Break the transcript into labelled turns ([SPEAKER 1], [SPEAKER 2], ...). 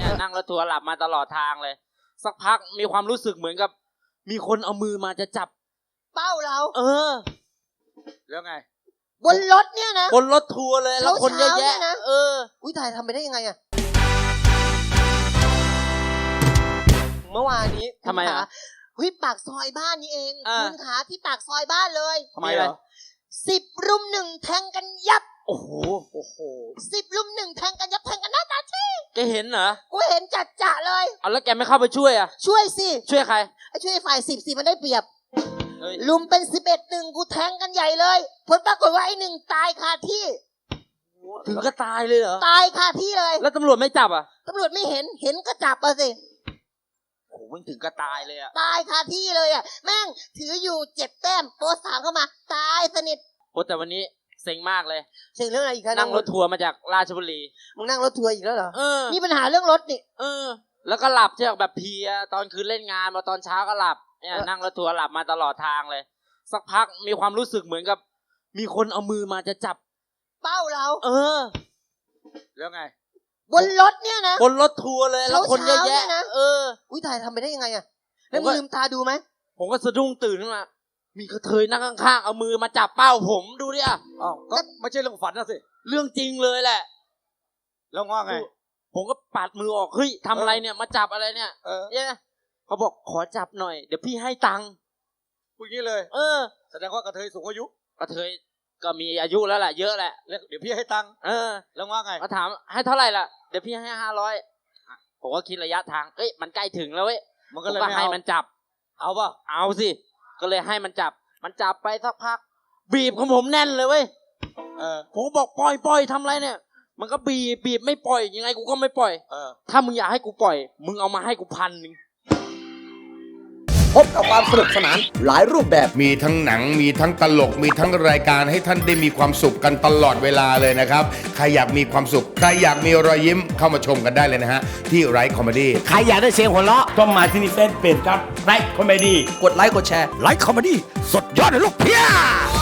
[SPEAKER 1] เนี่ยนั่งรถทัวร์หลับมาตลอดทางเลยสักพักมีความรู้สึกเหมือนกับมีคนเอามือมาจะจับ
[SPEAKER 2] เป้าเรา
[SPEAKER 3] แล้วไง
[SPEAKER 2] บนรถเนี่ยนะ
[SPEAKER 1] บนรถทัวร์เลยแล้วคนเยอะแยะนะ
[SPEAKER 2] อุ้ยตายทำไปได้ยังไงอะเมื่อวานนี้
[SPEAKER 1] ทำไมอ่ะ
[SPEAKER 2] ปากซอยบ้านนี่เองคุณขาที่ปากซอยบ้านเลย
[SPEAKER 3] ทำไมเหรอ
[SPEAKER 2] 10 รุม 1แทงกันยับ
[SPEAKER 1] โอ้โห
[SPEAKER 2] 10 รุม 1แทงกันยับแทงกันหน้าตาชี้
[SPEAKER 1] แกเห็นเหรอ
[SPEAKER 2] กูเห็นจัดเลย
[SPEAKER 1] เอาแล้วแกไม่เข้าไปช่วยอ่ะ
[SPEAKER 2] ช่วยสิ
[SPEAKER 1] ช่วยใคร
[SPEAKER 2] ช่วยฝ่าย10สิมันได้เปรียบลุมเป็น11-1กูแทงกันใหญ่เลยผลปรากฏว่าไอ้1ตายคาที่
[SPEAKER 1] ถึงก็ตายเลยเหรอ
[SPEAKER 2] ตายคาที่เลย
[SPEAKER 1] แล้วตำรวจไม่จับอ่ะ
[SPEAKER 2] ตำรวจไม่เห็นก็จับอ่ะสิ
[SPEAKER 1] โอ้โหถึงก็ตายเลยอ่ะ
[SPEAKER 2] ตายคาที่เลยอ่ะแม่งถืออยู่7 แต้มโป๊3เข้ามาตายสนิท
[SPEAKER 1] โอ้แต่วันนี้เซ็งมากเลย
[SPEAKER 2] เซ็งเรื่องอะไรอีกครับ
[SPEAKER 1] นั่งรถทัวร์มาจากราชบุรี
[SPEAKER 2] มึงนั่งรถทัวร์อีกแล้วเหรอ
[SPEAKER 1] นี่
[SPEAKER 2] ปัญหาเรื่องรถนี่
[SPEAKER 1] แล้วก็หลับใช่ไหมแบบเพลียตอนคืนเล่นงานมาตอนเช้าก็หลับเนี่ยนั่งรถทัวร์หลับมาตลอดทางเลยสักพักมีความรู้สึกเหมือนกับมีคนเอามือมาจะจับ
[SPEAKER 2] เป้าเรา
[SPEAKER 3] แล้วไง
[SPEAKER 2] บนรถเนี่ยนะ
[SPEAKER 1] บนรถทัวร์เลยแล้วคนเยอะแยะ
[SPEAKER 2] นะอุ้ยตายทำไปได้ยังไงอะแล้วมึงลืมตาดูไหม
[SPEAKER 1] ผมก็สะดุ้งตื่นขึ้นมามีกระเทยนั่งข้างๆเอามือมาจับเป้าผมดูดิอ่ะ
[SPEAKER 3] ก็ไม่ใช่เรื่องฝันนะสิ
[SPEAKER 1] เรื่องจริงเลยแหละ
[SPEAKER 3] แล้วว่าไง
[SPEAKER 1] ผมก็ปัดมือออกเฮ้ยทำอะไรเนี่ยมาจับอะไรเนี่ยเนี่ยเขาบอกขอจับหน่อยเดี๋ยวพี่ให้ตังค์
[SPEAKER 3] พูดงี้เลยแสดงว่ากระเทยสูงอายุ
[SPEAKER 1] กระเทยก็มีอายุแล้วแหละเยอะแหละ
[SPEAKER 3] เดี๋ยวพี่ให้ตังค์แล้วว่าไง
[SPEAKER 1] เขาถามให้เท่าไหร่ล่ะเดี๋ยวพี่ให้500ผมก็คิดระยะทางเอ้ยมันใกล้ถึงแล้วเว้ย
[SPEAKER 3] มันก็เลย
[SPEAKER 1] ให้มันจับ
[SPEAKER 3] เอาป่ะ
[SPEAKER 1] เอาสิก็เลยให้มันจับไปสักพักบีบของผมแน่นเลยเว้ยผมบอกปล่อยทำไรเนี่ยมันก็บีบไม่ปล่อยยังไงกูก็ไม่ปล่อยถ้ามึงอยากให้กูปล่อยมึงเอามาให้กู1,000
[SPEAKER 4] พบกับความสนุกสนานหลายรูปแบบมีทั้งหนังมีทั้งตลกมีทั้งรายการให้ท่านได้มีความสุขกันตลอดเวลาเลยนะครับใครอยากมีความสุขใครอยากมีรอยยิ้มเข้ามาชมกันได้เลยนะฮะที่ไรคอมเมดี้
[SPEAKER 5] ใครอยากได้เสียงหัวเราะต้องมาที่นี่เฟซเพจครับไรคอมเมดี้
[SPEAKER 4] กดไลค์กดแชร์
[SPEAKER 5] ไรคอมเมดี้สุดยอดเลยลูกเพี้ย